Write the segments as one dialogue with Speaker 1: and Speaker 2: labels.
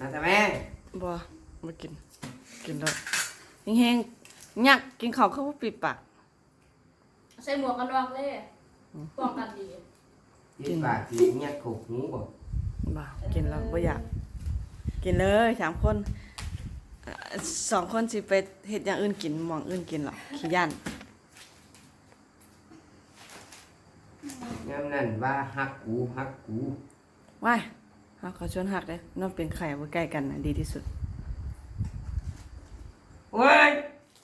Speaker 1: มาทำไม
Speaker 2: บ่มากินแล้วแห้งๆยักกินข้าวเข้าปิดปาก
Speaker 3: ใส่หมวกกันน็อกเลยป้องกันดี
Speaker 1: กินปากกินเงี้ยขบหูบ่
Speaker 2: บ่กินแล้วบ่อยากกินเลย3คน2คนสิไปเฮ็ดอย่างอื่นกินหม่องอื่นกินหรอกขี้ย่าน
Speaker 1: ยามนั้นว่าฮักกู
Speaker 2: ว้ายเฮาขอชวนฮักเด้นอนเป็นไข่บ่ใกล้กันน่ะดีที่สุด
Speaker 1: เว้ย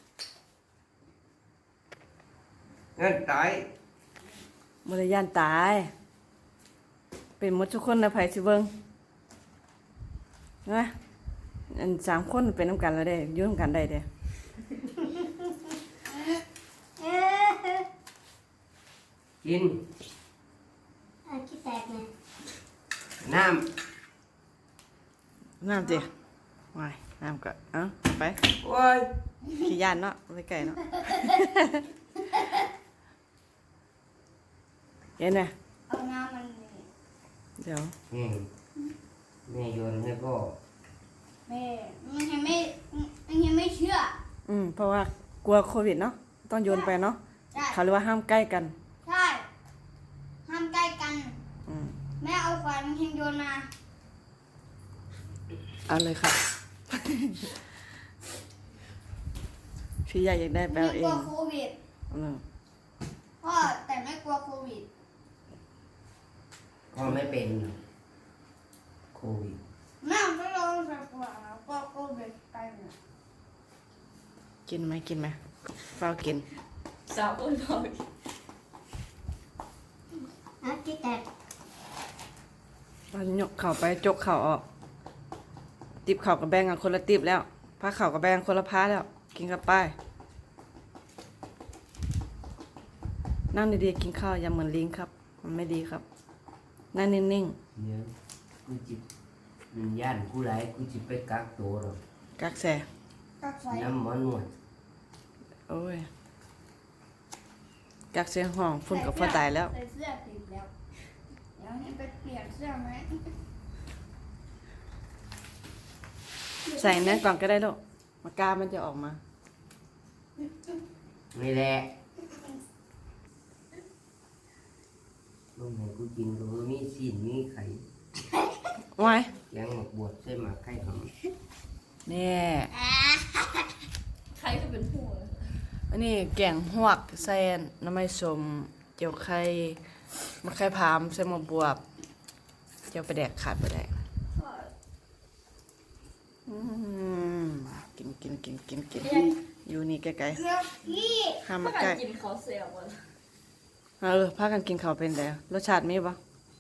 Speaker 1: เงินตาย
Speaker 2: บ่ได้ย่านตายเป็นหมดทุกคนนะไผสิเบิ่งนะอัน3คนเป็นนำกันแล้วเด้อยู่นำกันได้เด้
Speaker 1: กิน
Speaker 4: ขี้แตกเลย
Speaker 1: น้
Speaker 2: ำติว้ายน้ำก็ไป
Speaker 1: ำโอ้ย
Speaker 2: ขี้ย่านเนาะไปไกลเนาะเห็นไหม
Speaker 4: เอาน้ำมัน
Speaker 2: เดี๋ยว
Speaker 1: แม่โยนให้พ่อ
Speaker 4: แม่มันยังไม่เชื่อ
Speaker 2: เพราะว่ากลัวโควิดเนาะต้องโยนไปเนาะเขาเรียกว่าห้ามใกล้กัน
Speaker 4: ใช่ห้ามใกล้กันแม่เอาขวานมันโยนมา
Speaker 2: เอาเลยค่ะพี่ใหญ่อยากได้แปลเอง
Speaker 4: กลัวโควิดพ่อแต่ไม่กลัวโควิด
Speaker 1: พ่อไม่เป็นโควิด
Speaker 4: แม่ไม่ลองสักกลัวโควิดไปเนี่ย
Speaker 2: กินไหมเฝ้ากิน
Speaker 3: สาวอ้วนพอ
Speaker 4: ขี้แตก
Speaker 2: มันยกเข่าไปจกเข่าออกติบเข่ากับแบงกันคนละติบแล้วผ้าเข่ากับแบงคนละผ้าแล้วกินกับป้ายนั่งดีๆกินข้าวอย่าเหมือนลิงครับมันไม่ดีครับนั่งนิ่ง
Speaker 1: ๆเนี่ยกูจิบย่านกูไรกูจิบไปกักตัวหรอก
Speaker 2: กักแส
Speaker 1: น้ำมันวด
Speaker 2: โอ้ยกักเสียงห้องฝุ่นกับฟ้าตายแล้ว
Speaker 4: ใส่เสื้อติดแล้วเดี๋ยวนี้ไปเปลี่ยนเสื้อไหม
Speaker 2: ใส่นั่นก่อนก็ได้ลูกมากามันจะออกมา
Speaker 1: ไม่แหละลูกไหนกูกินก็มีสิ้นมีไข่
Speaker 2: ไว้
Speaker 1: ยังหมกบวชใช่ไหมไข่หอม
Speaker 2: เนี่ย
Speaker 3: ใครก็เป็นหัว
Speaker 2: อันนี้แกงหวกใส่น้ำมันสมเจียวไข่มะไข่พามใส่มะบวบเจียวไปแดกขาดไปได้กินอยู่นี่ไกลๆห้ามมาใกล้
Speaker 3: กินเขาเสียวหมด
Speaker 2: พากันกินข้าวเป็นแล้วรสชาติมีปะ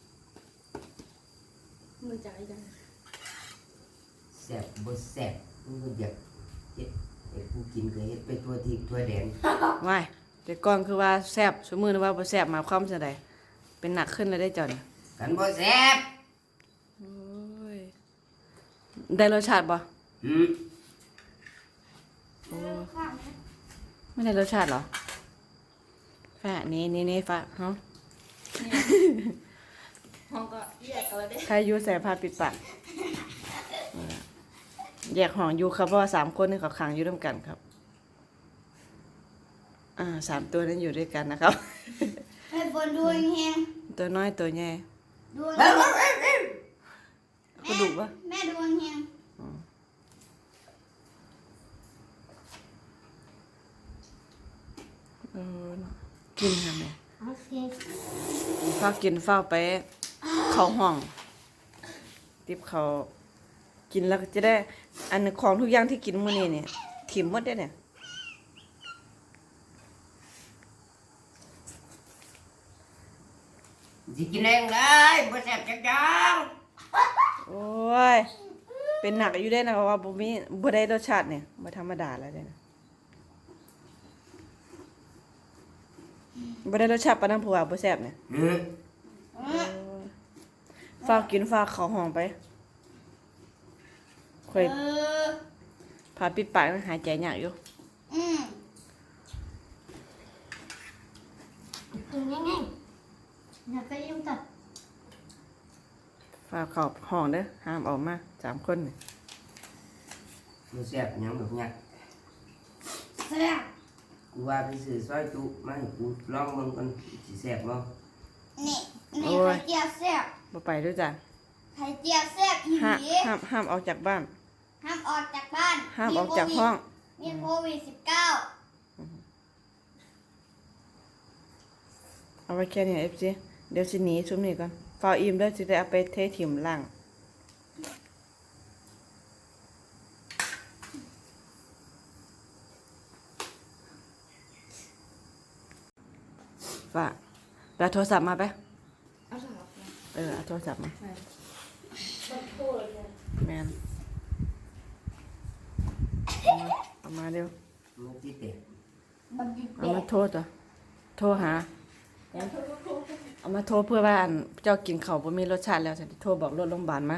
Speaker 3: มือใจจัง
Speaker 1: แซ่บบ่แซ่บมึงอยากเฮ็ดให้กูกินก็เฮ็ดไปทั่วทิศทั่วแดน
Speaker 2: ไม่แต่ก่อนคือว่าแซ่บสมมือว่าบ่แซ่บมาความจะได้เป็นหนักขึ้นเลยได้จอน
Speaker 1: กันบ่แซ่บ
Speaker 2: โอ้ยได้รสชาติปะไม่ได้รสชาติเหรอฟ้านี่ฟ้าฮะ
Speaker 3: ห้องก็แยกกันเลยเด้
Speaker 2: ใครอยู่ใส่ผ้าปิดปากแยกห้องอยู่ครับเพราะว่า3 คนนี่เขาขังอยู่ร่วมกันครับ3 ตัวนั้นอยู่ด้วยกันนะครับ
Speaker 4: ให้บนดูแห้ง
Speaker 2: ตัวน้อยตัวใหญ่
Speaker 4: ดู
Speaker 2: ก็ดุปะ
Speaker 4: แม่ดูแห้ง
Speaker 2: กินค่ะแม่ฝ้ากินฝ้าไปเข้าห้องติบเขากินแล้วจะได้อันของทุกอย่างที่กินมื้อนี้เนี่ยถิ่มหมดได้เนี่ย
Speaker 1: สิกินเองเลยบ่แซ่บจักจัง
Speaker 2: โอ้ยเป็นหนักอยู่ได้นะว่าบ่ได้รสชาติเนี่ยบ่ธรรมดาแล้วเด้นะบ่ได้รสชาติปานนั้นผัวบ่แซ่บเนี่ยฝากกินฝากเข้าห้องไปค่อยพาปิดปากหายใจยากอยู่
Speaker 4: ง่ายๆอย่าไปยุ่งกับ
Speaker 2: ฝากเข้าห้องเด้อห้ามออกมา3 คนนี่
Speaker 1: บ่แซ่บหยังดอกหยัก
Speaker 4: แซ่บ
Speaker 1: กูว่าไปซื้อซอยจุมาให้กูลองเบิ่งก่อนสิแซ่บบ่
Speaker 4: นี่ไข่เจียวแซ่บ
Speaker 2: บ่ไปด้วยจ้ะ
Speaker 4: ไข่เจียวแซ่บอีห
Speaker 2: ห้าม
Speaker 4: ลี
Speaker 2: ห้ามออกจากบ้าน
Speaker 4: ห้ามออกจากบ้าน
Speaker 2: ห้ามออกจากห้อง
Speaker 4: มีโควิด -19
Speaker 2: เอาไว้แค่นี้ FC เดี๋ยวสิหนีซุมนี้ก่อนฟ้าวอิ่มเด้อสิได้เอาไปเทถิ่มล่างฝากเอาโทรศัพท์มาไป
Speaker 3: เอาสลับนะ
Speaker 2: เอาโทรศัพท์มา
Speaker 3: ต้องโทษเลย
Speaker 2: แมนเอามาเร็ว
Speaker 1: มันสิแตก
Speaker 4: บักดิ
Speaker 2: เอามา
Speaker 4: เด็ด
Speaker 2: โทรตัวโทรหา เอามาโทรเพื่อว่าอันเจ้ากินข้าวบ่มีรสชาติแล้วฉันสิโทรบอกรถโรงพยาบาลมา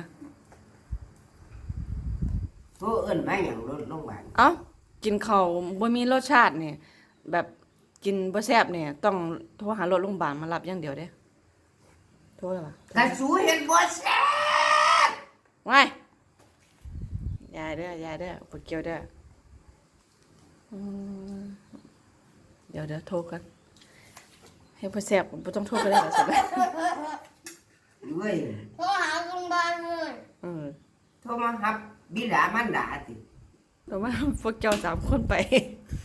Speaker 1: โทรเอิ้นมาหยังรถโรงพยาบาล
Speaker 2: เอ้ากินข้าวบ่มีรสชาตินี่แบบกินบ่แซ่บนี่ต้องโทรหารถโรงพยาบาลมารับอย่างเดียวเด้โทรแล้วป่ะ
Speaker 1: กระสูเห็นบ่แซ่บ
Speaker 2: ว้ายยายเด้อยายเด้อบ่เกี่ยวเด้ออืมเดี๋ยวโทรกันให้บ่แซ่บบ่ต้องโทรก็ได้ล่ะสิ
Speaker 1: ด้วย
Speaker 4: โทรหาโรงพยาบาลเลย
Speaker 1: โทรมาหับบิดามารดาติ
Speaker 2: แต่ว่าพวกเจ้า3คนไป